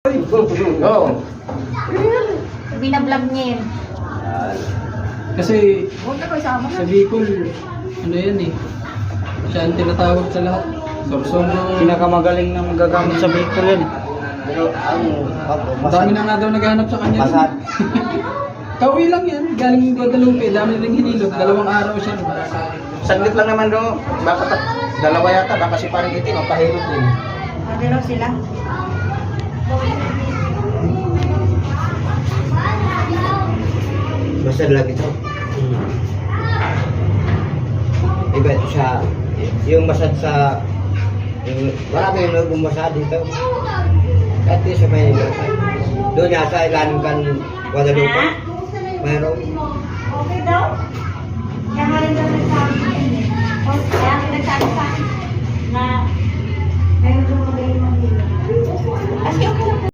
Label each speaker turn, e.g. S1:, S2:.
S1: Oo.
S2: Binablog niya yun.
S3: Kasi
S2: Huwag na ko isama
S3: sa Bicol, ano yan eh. Siya ang tinatawag sa lahat. Sorsogon.
S4: Pinakamagaling na magagamit sa Bicol yun.
S1: Pero ang
S3: Ang dami na nga daw naghahanap sa kanya.
S1: Masad.
S3: Kauwi lang yan. Galing Guadalupe. Dami rin hinilot. 2 araw siya.
S1: Saglit lang naman do. Baka dalawa yata. Baka si parang itim. Ang pahilot din.
S2: Sabi raw sila.
S1: Masad lang ito. Iba ito sa... Yung masad sa... Yung, marami yung nagbumasad dito. Kahit di sa may masad. Doon yata ilalim kan Guadalupe. Mayroon.
S2: Okay daw? Kaya nga rin daw nagsabi sa akin eh. Kaya nga nagsabi sa akin na mayroon daw magaling manghila. Kasi okay lang.